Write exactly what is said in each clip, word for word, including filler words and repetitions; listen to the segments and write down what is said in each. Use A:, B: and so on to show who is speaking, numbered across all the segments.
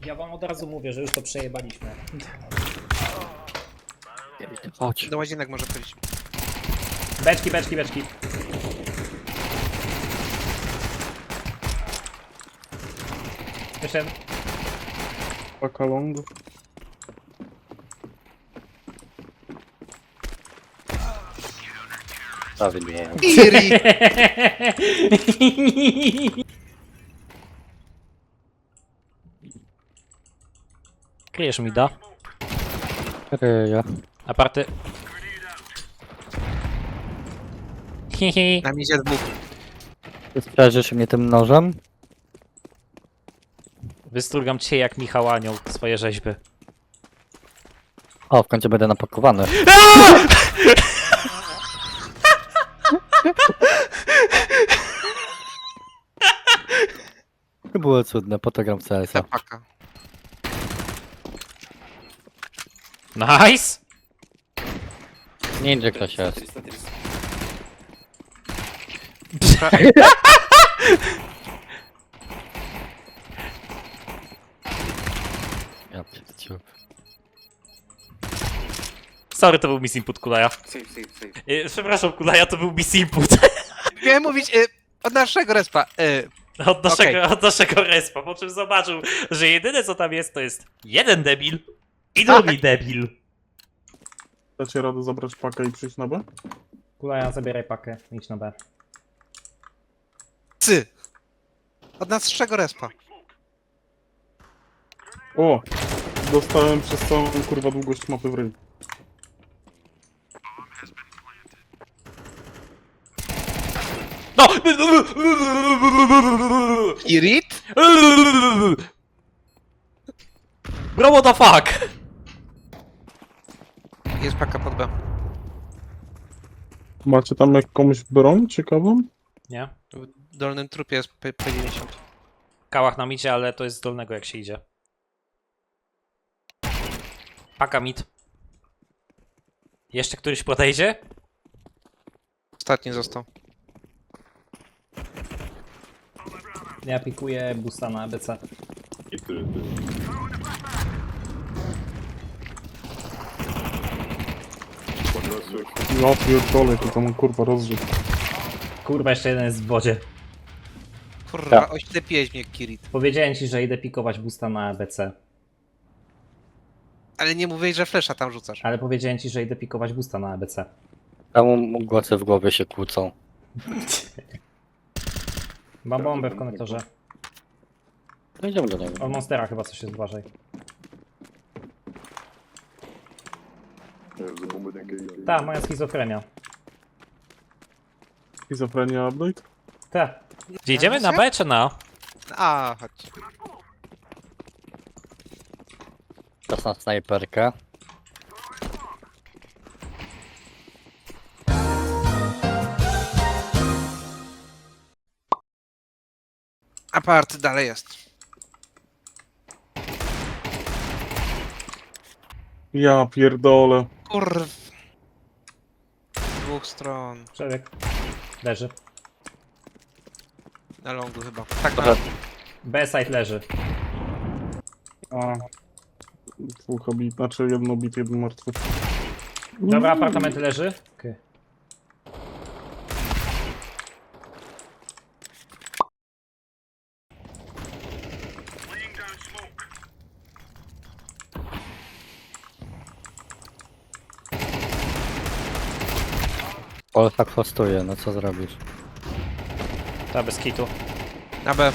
A: Ja wam od razu mówię, że już to przejebaliśmy.
B: Chodź.
C: Do łazienek może chodzić.
A: Beczki, beczki, beczki. Jeszcze jeden.
D: Paka long.
B: Prawidłowo.
C: Iri!
A: Kryjesz mi da.
B: Ryja.
A: Aparty. Hihi.
C: Na mizie dwóch.
B: Ty strażysz mnie tym nożem?
A: Wystrugam cię jak Michał Anioł swoje rzeźby.
B: O, w końcu będę napakowany. To było cudne, po to gram w C S a.
C: Paka.
A: Nice!
B: Ninja ktoś jest. Ja pierdziu.
A: Sorry, to był miss input Kulaja.
E: Save, save, save.
A: Yy, Przepraszam Kulaja, to był miss input.
C: Miałem mówić y, od naszego respa. Y,
A: Od naszego, od naszego respa, po czym zobaczył, że jedyne co tam jest, to jest jeden debil i drugi debil.
D: Dacie radę zabrać pakę i przyjść na B?
A: Kulaja, zabieraj pakę, idź na B.
C: cy. Od naszego respa.
D: O! Dostałem przez całą kurwa długość mapy w ryj.
A: No!
C: Irit?
A: Bro, what the fuck?
C: Jest paka pod B.
D: Macie tam jakąś broń ciekawą?
A: Nie?
C: W dolnym trupie jest P dziewięćdziesiąt.
A: Kałach nam idzie, ale to jest z dolnego jak się idzie. Paka mid. Jeszcze któryś podejdzie?
C: Ostatni został.
A: Ja pikuję boosta na A B C.
D: Ja pierdolę, to tam kurwa rozrzut.
A: Kurwa, jeszcze jeden jest w wodzie.
C: Kurwa,
B: Tak.
C: oślepiłeś mnie, Kirit.
A: Powiedziałem ci, że idę pikować boosta na A B C.
C: Ale nie mówiłeś, że flesza tam rzucasz.
A: Ale powiedziałem ci, że idę pikować boosta na A B C.
B: Tam głosy w głowie się kłócą.
A: Mam bombę w konektorze.
B: No idziemy do niego.
A: Od Monstera chyba coś jest, uważaj. Ta, moja schizofrenia.
D: Schizofrenia update?
A: Ta. Gdzie idziemy? Na B czy na?
C: A, chodź.
B: Czas na snajperkę.
C: Apart dalej jest.
D: Ja pierdolę.
C: Kurw. Z dwóch stron.
A: Przebieg. Leży.
C: Na longu chyba. Tak, na
B: Trochę
A: B side leży.
D: A. Dwóch obit, znaczy jedno obit, jeden martwy.
A: Dobra, apartament leży. Okay.
B: Pol tak hostuje, no co zrobisz?
A: Ta, bez kitu.
C: Na B.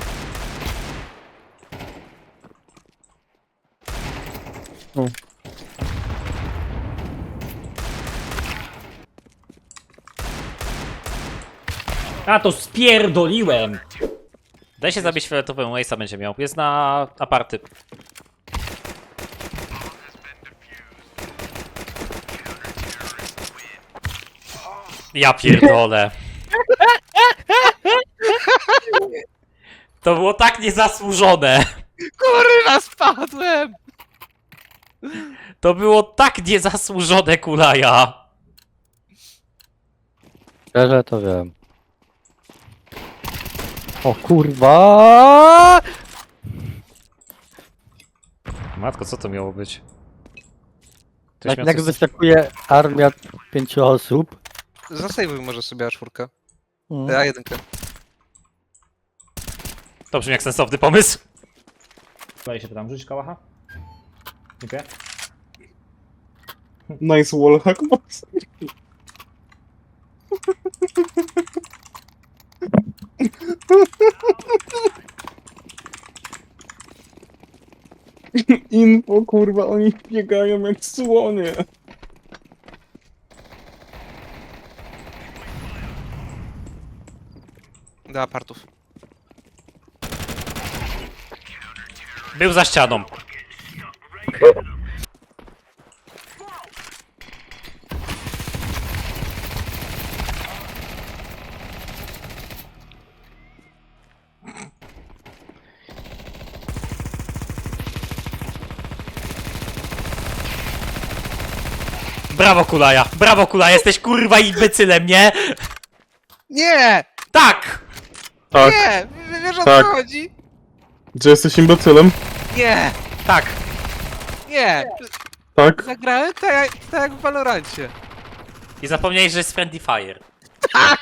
D: O.
A: A, to spierdoliłem! Daj się zabić fioletowym, Waste'a będzie miał. Jest na aparty. Ja pierdolę. To było tak niezasłużone.
C: Kurwa, spadłem!
A: To było tak niezasłużone, Kulaja.
B: Szczerze to wiem. O kurwa!
A: Matko, co to miało być? Ktoś
B: Jak,
A: miał
B: jak
A: coś-
B: wyskakuje armia pięciu osób.
C: Zasejwuj może sobie A cztery.
B: Mm.
C: A jeden.
A: To brzmi jak sensowny pomysł.
E: Tutaj się pytam, rzuć kałacha? Dziękuję.
D: Nice wallhack, boss. Info, kurwa, oni biegają jak słonie.
C: Do apartów.
A: Był za ścianą. Brawo Kulaja, brawo Kulaja, jesteś kurwa imbecylem, nie?
C: Nie!
A: Tak!
D: Tak,
C: Nie! W- Wiesz o
D: Tak.
C: co chodzi?
D: że jesteś imbecylem?
C: Nie!
A: Tak!
C: Nie!
D: Tak.
C: Zagrałem tak jak, tak jak w Valorancie.
A: I zapomniałeś, że jest Friendly Fire.
C: Tak!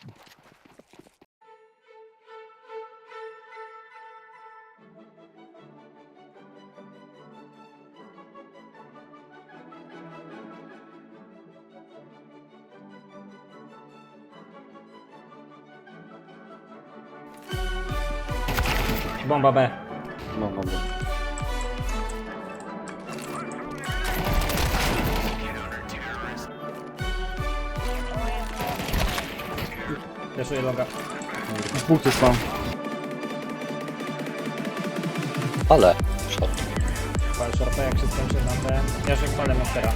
E: Bomba B.
B: No, no, no.
E: Fleszuję longa.
D: Dwóch jest tam.
B: Ale. Shot.
E: Pal shorta, jak się skończy na ten. Ja się palę mastera.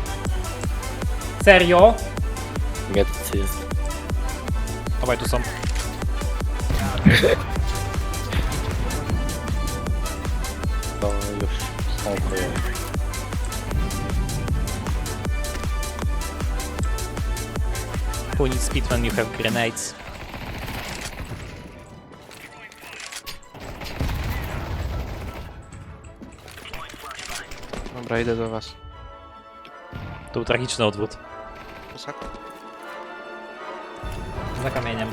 E: Serio?
B: Miedcy jest.
A: Obaj tu są.
B: To już są kryje.
A: Who needs speed when you have grenades?
C: Dobra, idę do was.
A: To był tragiczny odwrót.
C: Posak?
E: Za kamieniem.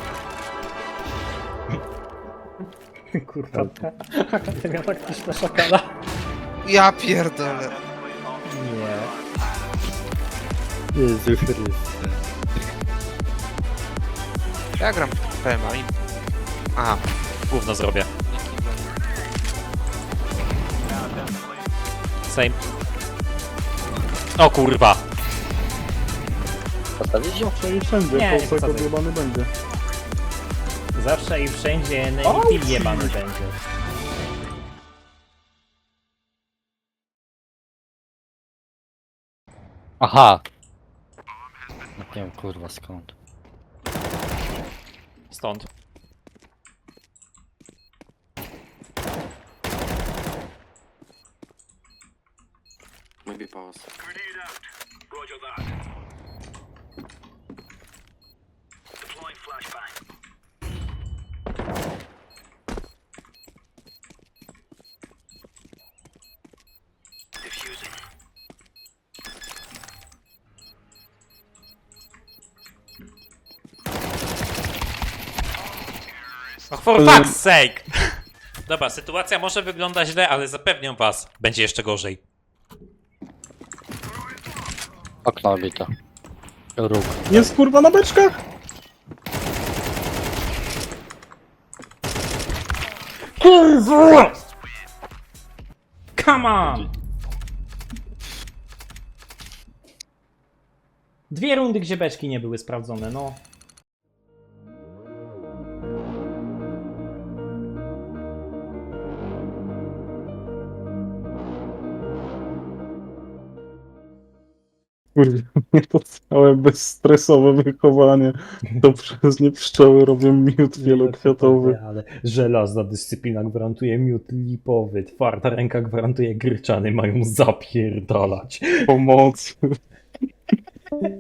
E: Kurwa. Akademia taktyczna szakala.
C: Ja pierdolę.
E: Nie.
B: Jezu Chryste.
C: Ja gram P M A i... Aha.
A: Gówno zrobię. Same. O kurwa.
B: Postawić ją?
D: Zawsze i wszędzie,
E: Nie, nie
D: Polsek
E: posadzaj.
D: odjebany będzie.
E: Zawsze i wszędzie Navy jebany będzie.
B: Aha! No nie wiem kurwa skąd.
A: Stąd.
F: Maybe pause.
A: Oh, for fuck's sake! Dobra, sytuacja może wygląda źle, ale zapewniam was, będzie jeszcze gorzej.
B: Okno obito. Róg.
D: Jest kurwa na beczkach?
E: Kurwa! Come on! Dwie rundy, gdzie beczki nie były sprawdzone, no.
D: Kurwa, mnie to całe bezstresowe wychowanie. To przez nie pszczoły robią miód wielokwiatowy.
E: Ale żelazna dyscyplina gwarantuje miód lipowy, twarda ręka gwarantuje gryczany, mają zapierdalać.
D: Pomocy.